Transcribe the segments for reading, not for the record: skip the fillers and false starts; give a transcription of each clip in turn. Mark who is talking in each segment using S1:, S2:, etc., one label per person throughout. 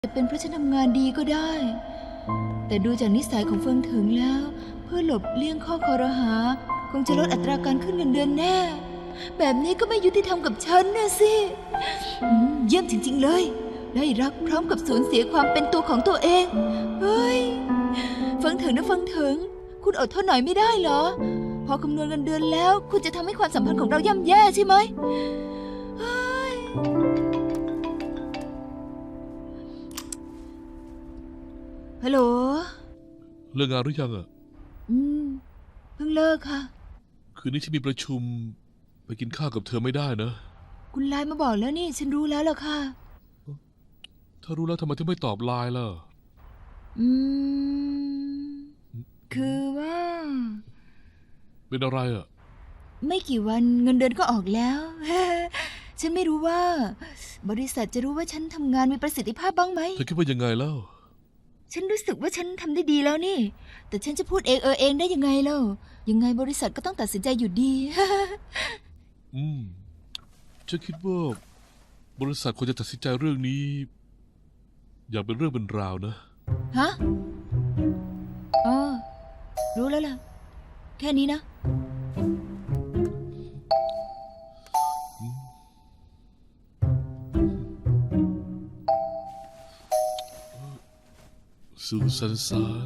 S1: จะเป็นเพราะฉันทำงานดีก็ได้ แต่ดูจากนิสัยของเฟิงถึงแล้ว เพื่อหลบเลี่ยงข้อคอรหาคงจะลดอัตราการขึ้นเงินเดือนแน่แบบนี้ก็ไม่ยุติธรรมกับฉันนะสิเยี่ยมจริงๆเลยได้รักพร้อมกับสูญเสียความเป็นตัวของตัวเองเฮ้ยเฟิงถึงนะเฟิงถึงคุณอดทนหน่อยไม่ได้เหรอพอคำนวณเงินเดือนแล้วคุณจะทำให้ความสัมพันธ์ของเราย่ำแย่ใช่ไหมฮัลโหล
S2: เลิกงานหรือยังอ่ะ
S1: เพิ่งเลิกค่ะ
S2: คืนนี้ฉันมีประชุมไปกินข้าวกับเธอไม่ได้นะ
S1: คุณไลน์มาบอกแล้วนี่ฉันรู้แล้วล่ะค่ะ
S2: ถ้ารู้แล้วทำไมถึงไม่ตอบไลน์ล่ะ
S1: คือว่า
S2: เป็นอะไรอ่ะ
S1: ไม่กี่วันเงินเดือนก็ออกแล้ว ฉันไม่รู้ว่าบริษัทจะรู้ว่าฉันทำงานมีประสิทธิภาพบ้างไหม
S2: เธอคิดว่ายังไงเล่า
S1: ฉันรู้สึกว่าฉันทำได้ดีแล้วนี่แต่ฉันจะพูดเองได้ยังไงเล่ายังไงบริษัทก็ต้องตัดสินใจอยู่ดี
S2: ฉันคิดว่าบริษัทควรจะตัดสินใจเรื่องนี้อย่างเป็นเรื่องเป็นราวนะ
S1: ฮะอ๋อรู้แล้วล่ะแค่นี้นะ
S2: สุสันสาน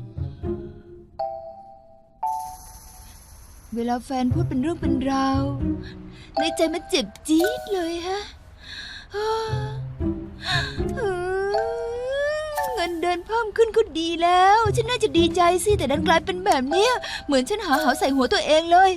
S1: เวลาแฟนพูดเป็นเรื่องเป็นราวในใจมันเจ็บจี๊ดเลยฮะเงินเดือนเพิ่มขึ้นก็ดีแล้วฉันน่าจะดีใจสิแต่ดันกลายเป็นแบบนี้เหมือนฉันหาเหาใส่หัวตัวเองเลย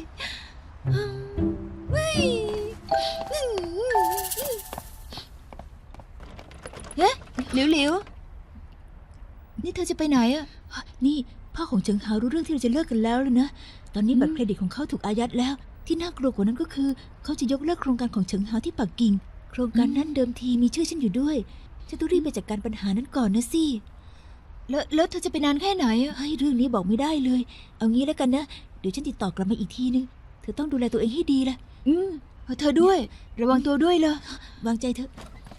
S1: เฮ้หลิวนี่เธอจะไปไหนอะ
S3: นี่พ่อของเฉิงหารู้เรื่องที่เราจะเลิกกันแล้วเลยนะตอนนี้บัตรเครดิตของเขาถูกอายัดแล้วที่น่ากลัวกว่านั้นก็คือเขาจะยกเลิกโครงการของเฉิงหาที่ปักกิ่งโครงการนั้นเดิมทีมีชื่อฉันอยู่ด้วยฉันต้องรีบไปจัดการปัญหานั้นก่อนนะสิ
S1: แล้วเธอจะไปนานแค่ไหนอะ
S3: เฮ้ยเรื่องนี้บอกไม่ได้เลยเอางี้แล้วกันนะเดี๋ยวฉันติดต่อกลับมาอีกทีนึงเธอต้องดูแลตัวเองให้ดีละ
S1: เธอด้วยระวังตัวด้วยล่ะ
S3: วางใจเถอะ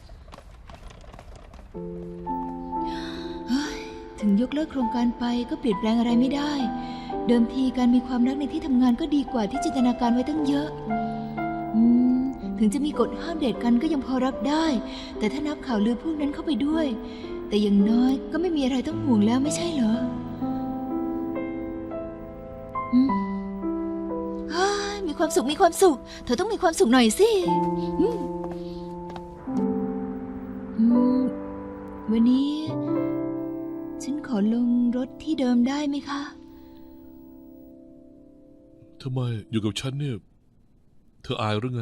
S1: ถึงยกเลิกโครงการไปก็เปลี่ยนแปลงอะไรไม่ได้เดิมทีการมีความรักในที่ทำงานก็ดีกว่าที่จินตนาการไว้ตั้งเยอะถึงจะมีกฎห้ามเดทกันก็ยังพอรับได้แต่ถ้านับข่าวลือพวกนั้นเข้าไปด้วยแต่อย่างน้อยก็ไม่มีอะไรต้องห่วงแล้วไม่ใช่เหรอมีความสุขเธอต้องมีความสุขหน่อยสิวันนี้ฉันขอลงรถที่เดิมได้ไหมคะ
S2: ทำไมอยู่กับฉันเนี่ยเธออายหรือไง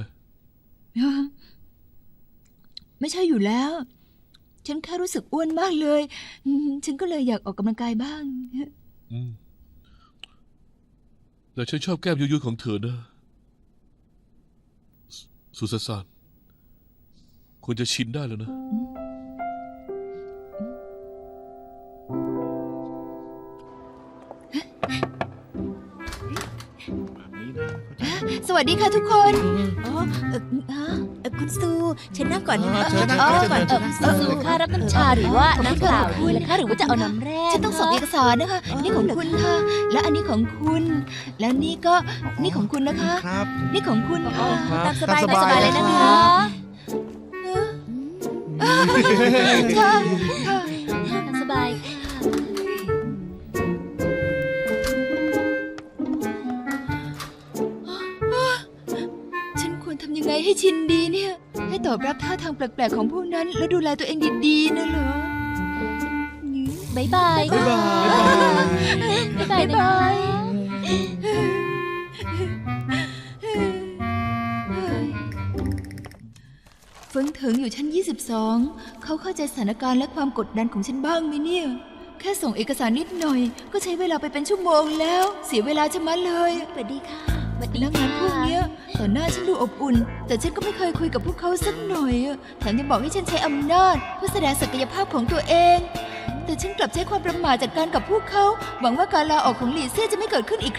S1: ไม่ใช่อยู่แล้วฉันแค่รู้สึกอ้วนมากเลยฉันก็เลยอยากออกกำลังกายบ้าง
S2: แต่ฉันชอบแก้มยุยๆของเธอนะสุสานควรจะชินได้แล้วนะ
S1: สวัสดีค่ะทุกคน
S3: คุณซูฉันนั่งก่อนนะ
S1: ก่อน
S3: ซูค่ะรับน้ำชาหรือว่าน้ำเปล่าดีล่ะคะหรือว่าจะเอาน้ำแร่
S1: ฉันต้องส่งเอกสารนะคะนี่ของคุณค่ะและอันนี้ของคุณและนี่ของคุณนะคะนี่ของคุณ
S3: ตามสบายเลยนะคะ
S1: ค่ะ
S3: สบาย
S1: ยังไงให้ชินดีเนี่ยให้ตอบรับท่าทางแปลกๆของพวกนั้นแล้วดูแลตัวเองดีๆนะเหรอ
S3: บ๊ายบาย
S1: เฟิงเถิงอยู่ชั้น22เขาเข้าใจสถานการณ์และความกดดันของฉันบ้างไหมเนี่ยแค่ส่งเอกสารนิดหน่อยก็ใช้เวลาไปเป็นชั่วโมงแล้วเสียเวลาชะมัดเลย
S3: สวัสดีค่ะ
S1: แล้วงานพวกนี้ต่อหน้าฉันดูอบอุ่นแต่ฉันก็ไม่เคยคุยกับพวกเขาสักหน่อยแถมยังบอกให้ฉันใช้อำนาจเพื่อแสดงศักยภาพของตัวเองแต่ฉันกลับใช้ความประมาทจัดการกับพวกเขาหวังว่าการลาออกของหลี่เซี่ยจะไม่เกิดขึ้นอีก